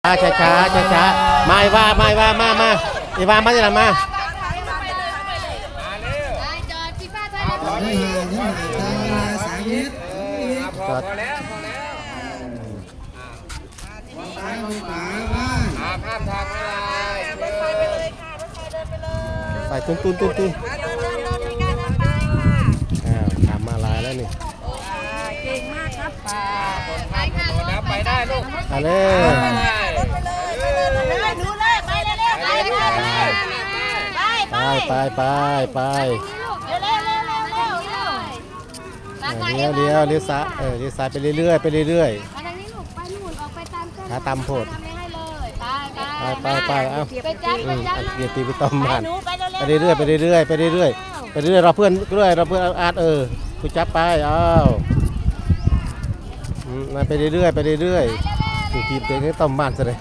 ช้าช้าช้าช้ามาอีว่ามาอีว่ามาอีว่ามาที่ไหนมาจอดพี่ป้าใช่ไหมจอดข้ามทางไม่ได้ใส่ตุ้นทำมาลายแล้วนี่เก่งมากครับไปค่ะแล้วไปได้ลูกไปเลยดูเลยไปเร็วๆไปเลี้ยวซ้ายเลี้ยวซ้ายไปเรื่อยไปเรื่อยมาทางนี้ลูกไปนู่นออกไปตามเส้นขาตำโพดให้เลยไปเอ้าไปจับเกียรติไปต้มมันไปเรื่อยไปเรื่อยเราเพื่อนอาร์ตกูจับไปอ้าวมาไปเรื่อยอยู่ทีมเต็งให้ต้มมันซะเลย